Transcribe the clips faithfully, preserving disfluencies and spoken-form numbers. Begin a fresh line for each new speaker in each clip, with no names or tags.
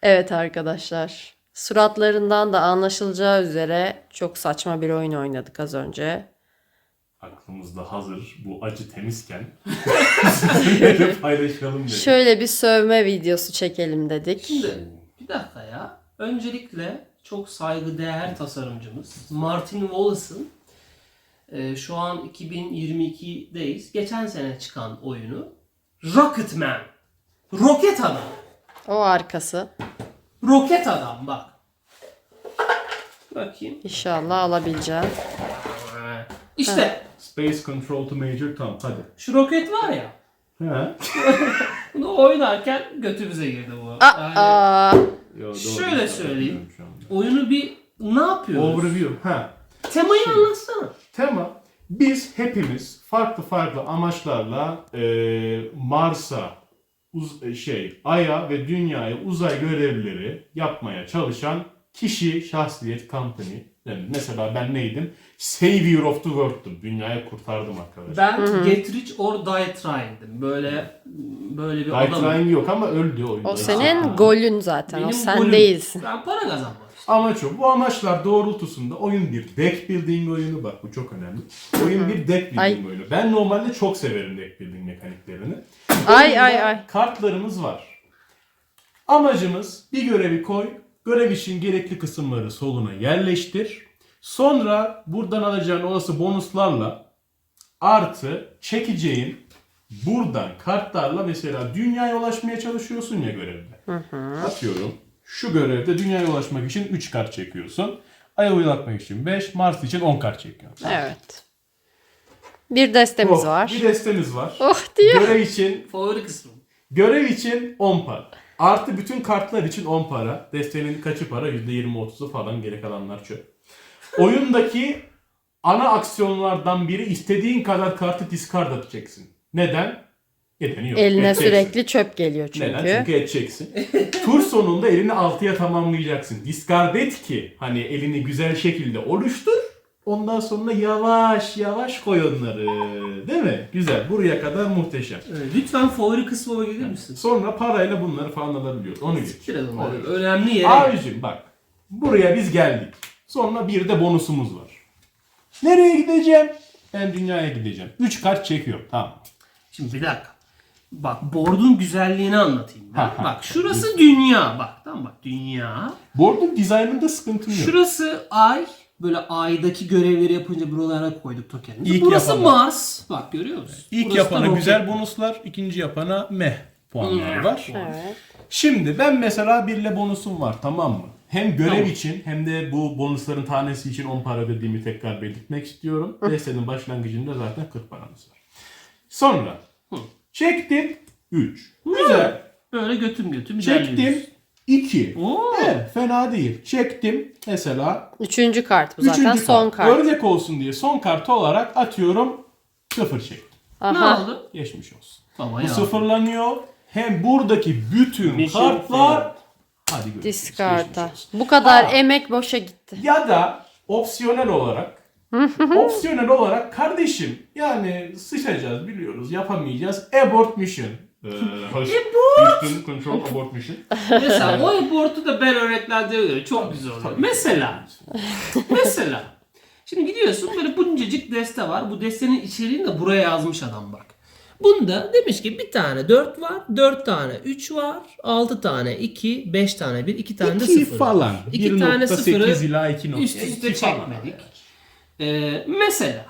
Evet arkadaşlar. Suratlarından da anlaşılacağı üzere çok saçma bir oyun oynadık az önce.
Aklımızda hazır bu acı temizken sizinle de paylaşalım dedik.
Şöyle bir sövme videosu çekelim dedik.
Şimdi bir dakika ya. Öncelikle çok saygıdeğer tasarımcımız Martin Wallace'ın e, şu an iki bin yirmi ikideyiz. Geçen sene çıkan oyunu Rocketman. Roket Adam.
O arkası.
Roket Adam bak. Bakayım.
İnşallah alabileceğim.
İşte
Space Control to Major Tom hadi.
şu roket var ya.
He?
Bunu oynarken götümüze girdi bu. Yani
Aa,
Yo, doğru.
şöyle söyleyeyim.
Bilmiyorum şu anda.
Oyunu bir ne yapıyoruz?
Overview. Ha.
Temayı anlatsana.
Tema. Biz hepimiz farklı farklı amaçlarla e, Mars'a, uz- şey, Ay'a ve Dünya'ya uzay görevleri yapmaya çalışan kişi, şahsiyet, company. Yani mesela ben neydim? Savior of the World'tum. Dünyayı kurtardım arkadaşlar.
Ben Get Rich or Die Trying'dim. Böyle böyle bir
Die
adamım.
Trying yok ama öldü oyunda.
o senin
Ha.
golün zaten. O
Benim
sen
golüm.
değilsin.
Ben para kazanmak istiyorum.
Amaç o. Bu amaçlar doğrultusunda oyun bir deck building oyunu. Bak bu çok önemli. Oyun bir deck building
Ay.
oyunu. Ben normalde çok severim deck building mekaniklerini.
Ay
Oyunda
ay ay.
kartlarımız var. Amacımız bir görevi koy. Görev için gerekli kısımları soluna yerleştir. Sonra buradan alacağın olası bonuslarla artı çekeceğin buradan kartlarla mesela dünyaya ulaşmaya çalışıyorsun ya görevde. Atıyorum şu görevde dünyaya ulaşmak için üç kart çekiyorsun. Ay'a ulaşmak için beş, Mars için on kart çekiyorsun.
Evet. Bir destemiz
Oh,
var.
Bir destemiz var.
Oh diyor.
Görev için
Favori kısmım.
görev için on para. Artı bütün kartlar için on para. Destenin kaçı para? yüzde yirmi otuzu falan, geri kalanlar çöp. Oyundaki ana aksiyonlardan biri istediğin kadar kartı discard atacaksın. Neden? Nedeni yok.
Eline
Edeceksin.
sürekli çöp geliyor çünkü.
Neden? Çünkü edeceksin. Tur sonunda elini altıya tamamlayacaksın. Discard et ki hani elini güzel şekilde oluştur. Ondan sonra yavaş yavaş koy onları. Değil mi? Güzel. Buraya kadar muhteşem.
Evet, lütfen favori kısmıma gelir misin?
Sonra parayla bunları falan alabiliyoruz. Onu geç.
Biraz
Onu geç.
önemli yere.
Abicim bak. Buraya biz geldik. Sonra bir de bonusumuz var. Nereye gideceğim? Ben dünyaya gideceğim. üç kart çekiyorum. Tamam.
Şimdi bir dakika. Bak board'un güzelliğini anlatayım ben.
Ha, ha.
Bak şurası dünya. Bak tamam bak dünya.
Board'un dizaynında sıkıntım yok.
Şurası ay. Böyle aydaki görevleri yapınca buralara koyduk tokenimizi.
İlk
Burası
yapana.
Mars. Bak görüyor musun?
İlk
Burası da
yapana
roket.
güzel bonuslar, ikinci yapana meh puanlar var.
Evet.
Şimdi ben mesela birle bonusum var, tamam mı? Hem görev
Tamam.
için hem de bu bonusların tanesi için on para ödediğimi tekrar belirtmek istiyorum. Destenin başlangıcında zaten kırk paramız var. Sonra
Hı.
çektim üç. Güzel.
Böyle götüm götüm ilerliyoruz.
Çektim iki.
Oo.
Evet, fena değil. Çektim mesela
Üçüncü kart bu zaten.
üçüncü
Son
kart.
kart.
Örnek olsun diye son kartı olarak atıyorum sıfır çektim.
Ne
Aha.
oldu?
Geçmiş olsun.
Baba
Bu
ya.
sıfırlanıyor. Hem buradaki bütün
Mission
kartlar
failed.
hadi görüşürüz.
Discard'a.
Geçmiş olsun.
Bu kadar
Ha.
emek boşa gitti.
Ya da opsiyonel olarak opsiyonel olarak kardeşim yani sıçacağız biliyoruz yapamayacağız. Abort mission. Ee, hoş. Houston Control Abort mission.
Mesela o abortu da ben örneklendirmeye göre çok güzel oluyor. Mesela. Mesela. Şimdi gidiyorsun böyle buncacık deste var. Bu destenin içeriğini de buraya yazmış adam bak. Bunda demiş ki bir tane dört var, dört tane üç var, altı tane iki, beş tane bir, iki tane de
iki
sıfır.
falan.
İki tane
bir nokta sekiz
sıfırı
ila iki nokta
üst üste
iki falan.
çekmedik. Ee, mesela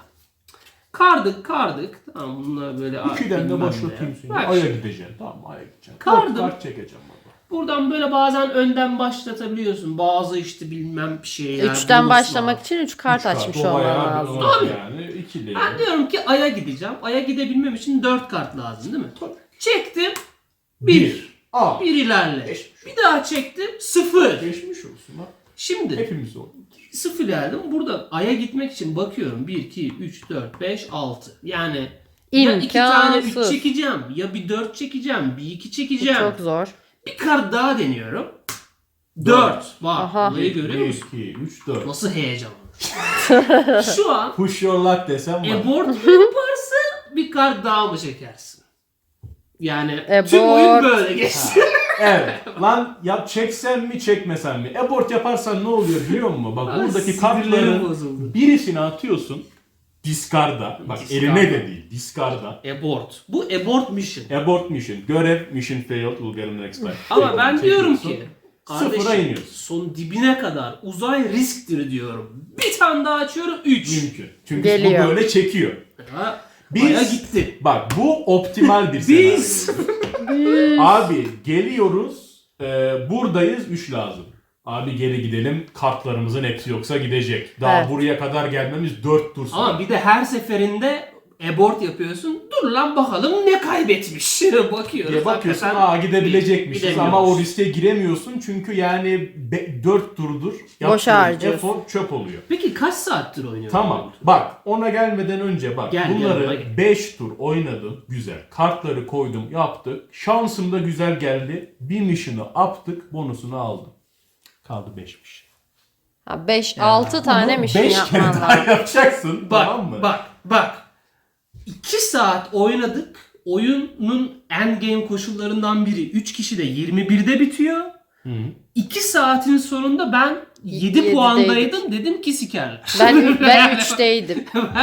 kardık kardık. Tamam bunlar böyle
İkiden de
bilmem
başlatayım
ne.
seni.
Bak
Aya
şimdi,
gideceksin. Tamam aya gideceksin.
Kardım.
Dört kart çekeceğim baba.
buradan böyle bazen önden başlatabiliyorsun. Bazı işte bilmem bir şeyler.
Üçten
bonus
başlamak
var.
için üç kart
Üç kart,
açmış
o
olman
bayağı
lazım.
bir
Tabii.
Yani ikili.
Ben diyorum ki Ay'a gideceğim. Ay'a gidebilmem için dört kart lazım değil mi?
Tabii.
Çektim. bir.
Bir. Aa.
Bir ilerle.
Geçmiş.
Bir daha çektim. sıfır.
Geçmiş olsun ha.
Şimdi
Hepimiz oldu.
sıfır geldim. Burada Ay'a gitmek için bakıyorum. bir, iki, üç, dört, beş, altı. Yani ya iki tane üç
İmkansız.
çekeceğim. Ya bir dört çekeceğim. Bir iki
Bu
çekeceğim.
çok zor.
Bir kart daha deniyorum. dört. Bak
Aha.
burayı görüyor
bir,
musun?
iki, üç, dört.
Nasıl heyecanlı. Şu an
Push your luck desem var.
abort mu yaparsın bir kart daha mı çekersin? Yani
Abort.
tüm oyun böyle geçti.
Evet. Lan yap çeksen mi çekmesen mi? Abort yaparsan ne oluyor biliyor musun? Bak
Ay,
buradaki
sinirlerim
kartların
bozuldu.
birisini atıyorsun. Discard'a. Bak
Discard'a.
eline de değil. Discard'a.
Abort. Bu abort mission.
Abort mission. Görev mission failed. We'll get him next time.
Ama ben
Çekiyorsun.
diyorum ki
Sıfıra
kardeşim
iniyorsun.
son dibine kadar uzay risktir diyorum. Bir tane daha açıyorum üç.
Mümkün. Çünkü
Geliyor.
bu böyle çekiyor.
Ha,
Biz-
baya gitti.
Bak bu optimal bir
Biz
senaryo. Abi geliyoruz. e, buradayız. üç lazım. Abi geri gidelim. Kartlarımızın hepsi yoksa gidecek. Daha
Evet.
buraya kadar gelmemiz dört tur sonra.
ama bir de her seferinde abort yapıyorsun. Dur lan bakalım ne kaybetmiş. Bakıyoruz.
diye bakıyorsun
hakikaten
aa gidebilecekmişiz
gidemiyoruz.
ama o riske giremiyorsun çünkü yani dört turdur yaptığın
harcıyorsun.
efor çöp oluyor.
Peki kaç saattir oynuyorsun?
Tamam bak ona gelmeden önce bak
Gel, gel, ona
bunları
gel.
beş tur oynadım güzel. Kartları koydum yaptık. Şansım da güzel geldi. Bir mission'ı yaptık bonusunu aldım. Kaldı beş mission.
beş altı tane
Bunu
mission
beş kere
yapman
daha
lazım.
yapacaksın
Bak
tamam mı?
bak bak. iki saat oynadık. Oyunun endgame koşullarından biri üç kişi de yirmi birde bitiyor.
Hı.
iki saatin sonunda ben yedi
yedideydik.
puandaydım. Dedim ki sikerler.
Ben ben üçteydim.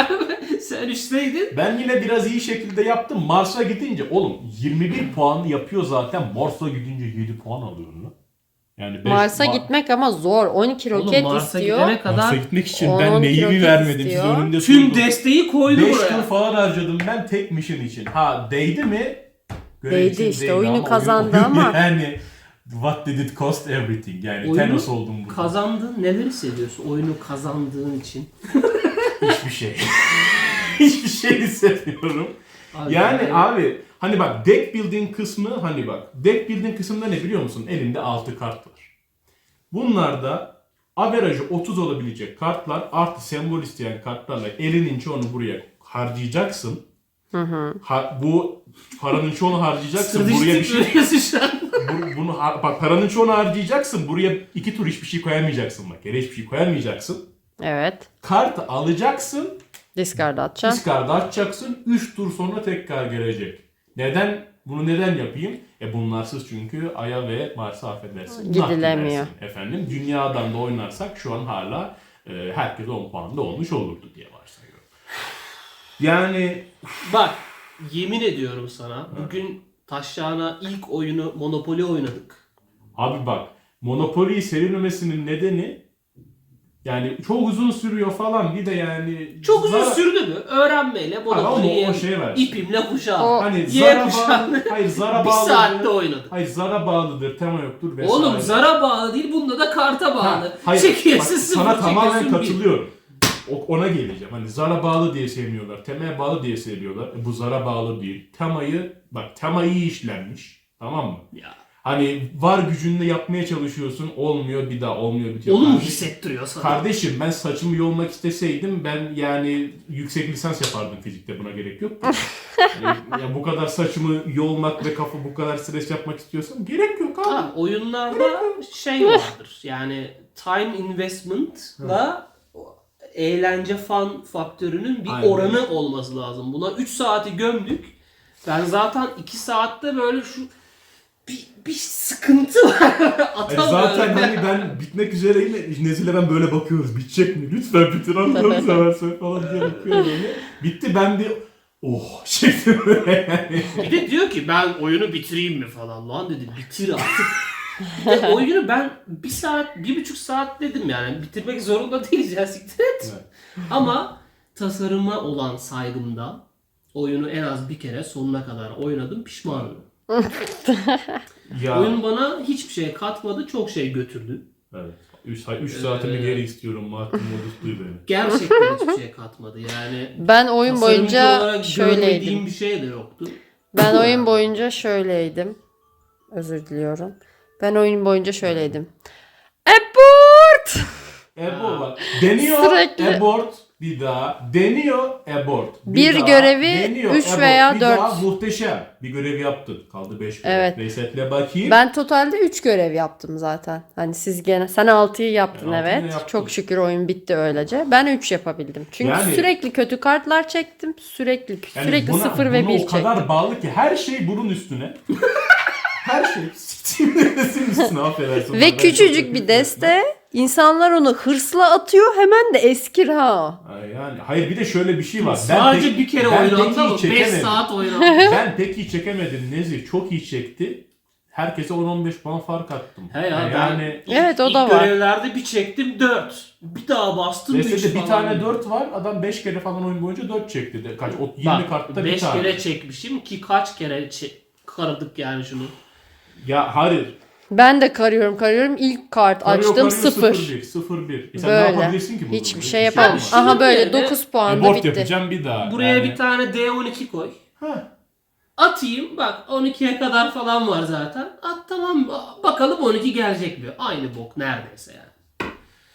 Sen üçteydin.
Ben yine biraz iyi şekilde yaptım. Mars'a gidince oğlum yirmi bir puanı yapıyor zaten. Mars'a gidince yedi puan alıyorum lan. Yani beş-
Mars'a
Ma-
gitmek ama zor. on iki
Oğlum
roket
Mars'a
istiyor.
gidene kadar
Mars'a gitmek için
on,
ben
on iki
neyimi
roket
vermedim siz
istiyor.
önünde
tüm
sundum.
desteği koydu
beş tur
buraya.
falan harcadım ben tek mission için. Ha değdi mi? Görev
Değdi
için
işte,
değdi
oyunu
ama
kazandı
oyun-
ama.
Yani what did it cost everything? Yani
Oyunu
Thanos oldum burada.
Kazandın. Neler hissediyorsun oyunu kazandığın için?
Hiçbir şey. Hiçbir şey hissetmiyorum.
Abi,
Yani
yani-
abi hani bak deck building kısmı hani bak deck building kısmında ne biliyor musun? Elinde altı kart var. Bunlarda averajı otuz olabilecek kartlar artı sembol isteyen kartlarla elinin çoğunu buraya harcayacaksın. Ha, bu paranın çoğunu harcayacaksın. Buraya bir şey
Stratejik şu an.
bu- bunu har- bak paranın çoğunu harcayacaksın. Buraya iki tur hiçbir şey koyamayacaksın bak. Yere hiçbir şey koyamayacaksın.
Evet.
Kartı alacaksın.
Discard atacaksın.
Discard'ı açacaksın. üç tur sonra tekrar gelecek. Neden? Bunu neden yapayım? E bunlarsız çünkü Ay'a ve Mars'a affedersin.
Gidilemiyor.
Naklersin Efendim dünyadan da oynarsak şu an hala e, herkes on puanda olmuş olurdu diye varsayıyorum. Yani
Bak yemin ediyorum sana bugün Taşyağına ilk oyunu Monopoly oynadık.
abi bak Monopoly'yi sevilmemesinin nedeni yani çok uzun sürüyor falan bir de yani
Çok uzun
zar-
sürdü mü? Öğrenmeyle
Ama
Monopoly'yi
o şey var.
ipimle kuşağım.
O-
Hani
Y
zara
kuşağını
bağlı, hayır zara
bir
bağlı.
saatte oynadık.
Hayır zara bağlıdır, tema yoktur vesaire.
Oğlum zara bağlı değil, bunda da karta bağlı.
Ha, hayır,
Çekiyorsun
bak,
sıfır,
sana tamamen
çekiyorsun bir.
katılıyorum. O, ona geleceğim. Hani zara bağlı diye sevmiyorlar. Temaya bağlı diye seviyorlar. E, bu zara bağlı değil. Temayı bak tema iyi işlenmiş. Tamam mı?
Ya.
Hani var gücünle yapmaya çalışıyorsun. Olmuyor bir daha olmuyor bitiyor.
Onu mu
Kardeşim-
hissettiriyor sana?
Kardeşim ben saçımı yolmak isteseydim ben yani yüksek lisans yapardım fizikte buna gerek yok. yani, ya bu kadar saçımı yolmak ve kafa bu kadar stres yapmak istiyorsan gerek yok abi.
Ha, oyunlarda şey vardır. Yani time investment'la eğlence fan faktörünün bir
Aynen.
oranı olması lazım. Buna üç saati gömdük. Ben zaten iki saatte böyle şu bir, bir sıkıntı var.
Yani
Atamıyorum.
zaten hani ben bitmek üzereyim. Nezile ben böyle bakıyoruz. Bitecek mi? Lütfen bitir Allah'ını seversen falan diye bakıyorum öyle. Bitti ben bir oh şeklim böyle yani.
Bir de diyor ki ben oyunu bitireyim mi falan. Lan dedim bitir artık. Bir de oyunu ben bir saat, bir buçuk saat dedim yani. Bitirmek zorunda değiliz ya siktir et.
Evet.
Ama tasarıma olan saygımda oyunu en az bir kere sonuna kadar oynadım, pişmanım.
Ya
Oyun bana hiçbir şey katmadı, çok şey götürdü.
evet. üç saatimi
Ee,
geri istiyorum. Mahkum modusluyu beni.
Gerçekten hiçbir şey katmadı. Yani
Ben oyun
tasarımcı
boyunca
olarak
şöyleydim.
görmediğim bir şey de yoktu.
Ben oyun boyunca şöyleydim. Özür diliyorum. Ben oyun boyunca şöyleydim. Abort!
Abort bak. Deniyor
Sürekli.
abort bir daha. Deniyor abort.
Bir
daha,
görevi
deniyor,
üç
abort.
veya
bir
dört.
Daha muhteşem. Bir görev yaptın. Kaldı beş görev.
Evet.
Resetle bakayım.
Ben totalde üç görev yaptım zaten. Hani siz gene sen altıyı yaptın
Ben altıyı
evet.
yaptım.
Çok şükür oyun bitti öylece. Ben üç yapabildim. Çünkü
Yani-
sürekli kötü kartlar çektim. Sürekli
Yani
sürekli
buna-
sıfır ve
buna
bir
o
çektim.
kadar bağlı ki her şey bunun üstüne. Her şey siktiğimde desin üstüne affedersin.
Ve
Ben çok
küçücük
kötü
bir deste. İnsanlar onu hırsla atıyor, hemen de eskir ha.
Ay Yani hayır bir de şöyle bir şey var.
Sadece
pek-
bir kere
ben
oynattı
pek iyi
ama beş
çekemedim.
saat oynattı.
Ben pek iyi çekemedim. Nezih çok iyi çekti. Herkese on on beş puan fark attım.
He ya,
yani
ben ilk,
Evet, o
ilk
da var.
görevlerde bir çektim dört. Bir daha bastım üç
Destede bir
falan.
tane dört var. Adam beş kere falan oyun boyunca dört çekti. De. Kaç? O yirmi
Bak,
kartta bir
beş
tane.
kere çekmişim ki kaç kere çe- karadık yani şunu.
Ya hayır.
Ben de karıyorum karıyorum. İlk kart
Karıyor,
açtım
karıyor,
sıfır.
sıfır bir. sıfır bir. E sen ne
Böyle.
yapabilirsin ki burada?
Hiçbir
Hiçbir
şey
yapamaz.
yapamam.
Şunun
Aha böyle
yerine-
dokuz
E,
puanda
board
bitti.
yapacağım bir daha.
Buraya
yani.
bir tane D on iki koy.
Ha.
Atayım bak on ikiye kadar falan var zaten. At tamam bakalım on iki gelecek mi? Aynı bok neredeyse yani.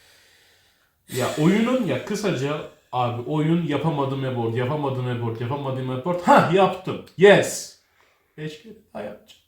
Ya oyunun ya kısaca abi oyun yapamadım abort, yapamadım abort, yapamadım abort. Ha yaptım. Yes. Beş kere daha yapacağım.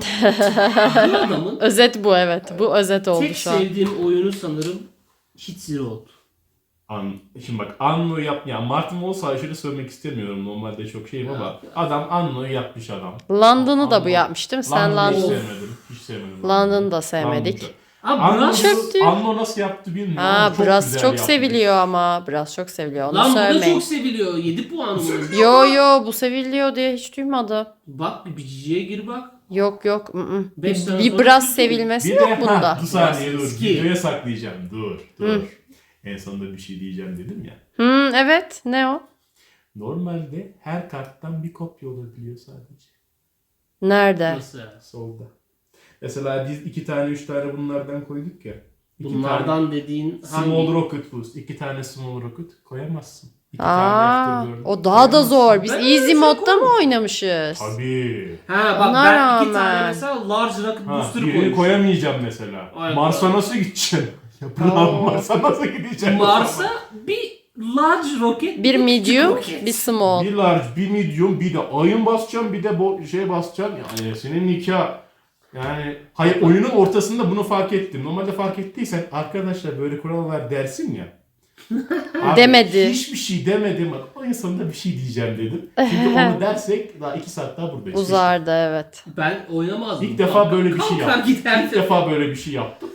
Bu adamın
Özet bu, evet. Bu özet oldu
tek
şu an.
sevdiğim oyunu sanırım Hit Zero oldu.
An, şimdi bak Anno'yu yap ya Martin Wolf'a aşırı söylemek istemiyorum normalde çok şeyim ama
Ya.
adam Anno'yu yapmış adam.
London'u da bu
Anno-
yapmış değil mi? Sen
London'u hiç
London.
sevmedim. Hiç sevmedim.
London'u da sevmedik.
London'u.
Abi
Anno,
Brass
Çöp diyor.
Anno nasıl yaptı bilmiyorum
Ha,
ama çok
biraz
güzel
çok
yapmış.
seviliyor ama. Biraz çok seviliyor. Onu
Lan bu da
söylemeyin.
çok seviliyor. yedi puan bunun.
Yo yo, bu seviliyor diye hiç duymadım.
Bak bir biciciye gir bak.
Yok yok. ı-ı.
Beş sene
Bir
sonra
biraz
bir-
sevilmesi
Bir
yok
de
bunda.
ha, bir saniye dur.
Eski.
Videoya saklayacağım. Dur. Dur. En sonunda bir şey diyeceğim dedim ya.
Hmm, evet. Ne o?
Normalde her karttan bir kopya olabiliyor sadece.
Nerede?
Nasıl yani?
Solda. Mesela biz iki tane üç tane bunlardan koyduk ya. İki
Bunlardan
tane
dediğin
Small
hangi?
Rocket Boost. iki tane Small Rocket koyamazsın. İki
Aa,
tane Afterburner
o daha da zor. Biz
Ben
easy
öyle
modda
şey
mı oynamışız?
Tabii.
Ha bak
Ona
ben iki tane
rağmen.
mesela Large Rocket
Ha,
Booster
birini
koymuşum.
koyamayacağım mesela.
Ay,
Mars'a
bravo.
nasıl gideceksin? Yapılan
Oo.
Mars'a nasıl gideceksin?
Mars'a bir Large Rocket,
Bir
küçük
medium,
roket.
bir small.
Bir large, bir medium, bir de ayın basacağım, bir de bo- şey basacağım. Yani senin nikah. Yani hayır oyunun ortasında bunu fark ettim. Normalde fark ettiysen arkadaşlar böyle kural var dersin ya. Abi,
Demedi.
Hiçbir şey demedim. O insanda bir şey diyeceğim dedim. Çünkü onu dersek daha iki saat daha buradayız.
Uzardı, evet.
Ben oynamazdım.
İlk defa böyle bir şey
Kalkar
yaptım.
giderdim.
İlk defa böyle bir şey yaptım.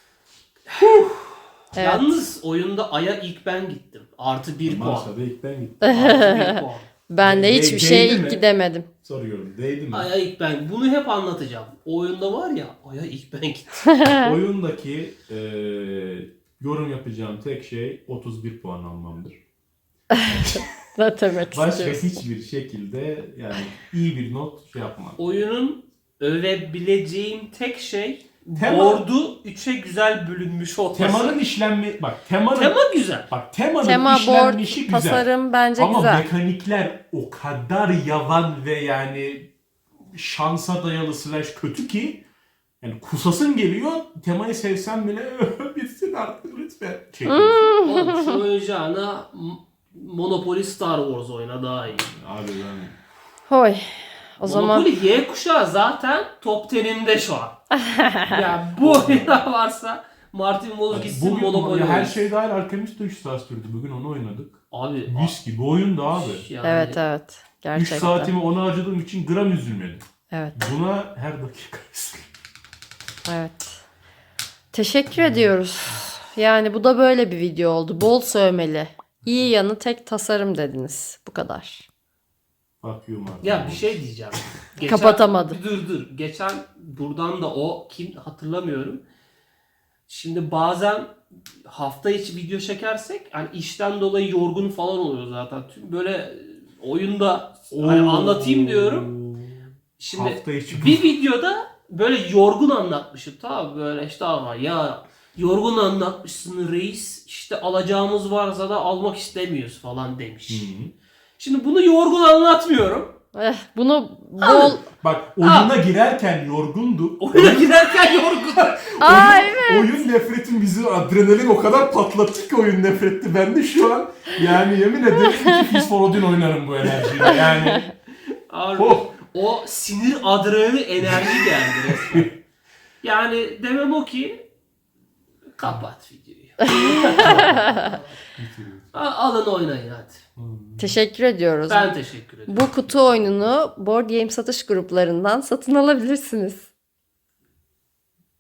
Evet.
Yalnız oyunda Ay'a ilk ben gittim. Artı bir puan.
Mars'a da ilk ben gittim.
Artı bir puan.
Ben de
De-
hiçbir
değdi
şeye
mi?
ilk gidemedim.
Soruyorum. Değdi mi?
Ay'a ilk ben. Bunu hep anlatacağım. O oyunda var ya Ay'a ilk ben gittim.
Oyundaki eee, yorum yapacağım tek şey otuz bir puan almamdır.
Ne demek
Başka
istiyorsun?
hiçbir şekilde yani iyi bir not şey yapmam.
Oyunun övebileceğim tek şey
Tema-
board'u üçe güzel bölünmüş olması.
Temanın işlenme bak temanın
Tema güzel.
bak temanın
Tema, board,
işlenmişi güzel.
tasarım bence
Ama
güzel.
mekanikler o kadar yavan ve yani şansa dayalı slash kötü ki yani kusasın geliyor. Temayı sevsem bile bitsin artık lütfen. Çekiyorsun.
Oğlum şu oynayacağına M- Monopoly Star Wars oyna daha iyi.
Abi ben
Hoy. O zaman
Monopoly Y kuşağı zaten top teninde şu an. ya bu oyunda varsa Martin Wallace gitsin
bugün
Monopoly
ya her
oynasın.
şey dahil Alchemist üç saat sürdü. Bugün onu oynadık.
Abi
Mis gibi oyundu abi.
yani
evet evet.
üç
Gerçekten.
saatimi ona harcadığım için gram üzülmedim.
Evet.
Buna her dakika
Evet. Teşekkür ediyoruz. Yani bu da böyle bir video oldu. Bol sövmeli. İyi yanı tek tasarım dediniz. Bu kadar.
Fuck you Martin.
Ya bir şey diyeceğim.
Kapatamadım.
Dur dur. Geçen buradan da o kim hatırlamıyorum. Şimdi bazen hafta içi video çekersek hani işten dolayı yorgun falan oluyor zaten. Tüm böyle oyunda hani
Oo.
anlatayım diyorum. Şimdi
Hafta içi
bir videoda böyle yorgun anlatmışım tamam böyle işte ama ya yorgun anlatmışsın reis işte alacağımız varsa da almak istemiyoruz falan demiş.
Hı hı.
Şimdi bunu yorgun anlatmıyorum.
Eh, bunu bol...
Bak oyuna girerken yorgundu.
Oyuna giderken yorgun.
Aa
oyun,
evet.
oyun nefretin bizi adrenalin o kadar patlattı ki oyun nefretti. Ben de şu an yani yemin ederim iki Fist for Odin oynarım bu enerjiyle. Yani
Abi,
oh.
o sinir adrenalin enerji geldi resmen. Yani demem o ki kapat videoyu. A- Alın oynayın hadi.
Teşekkür ediyoruz.
Ben teşekkür ederim.
Bu kutu oyununu Board Game satış gruplarından satın alabilirsiniz.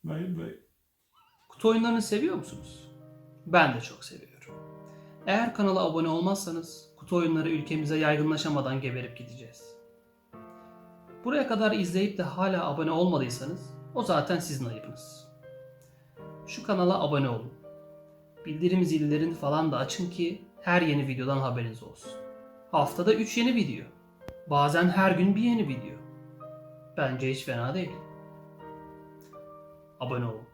Bay bay.
Kutu oyunlarını seviyor musunuz? Ben de çok seviyorum. Eğer kanala abone olmazsanız kutu oyunları ülkemize yaygınlaşamadan geberip gideceğiz. Buraya kadar izleyip de hala abone olmadıysanız o zaten sizin ayıbınız. Şu kanala abone olun. Bildirim zillerini falan da açın ki her yeni videodan haberiniz olsun. Haftada üç yeni video. Bazen her gün bir yeni video. Bence hiç fena değil. Abone olun.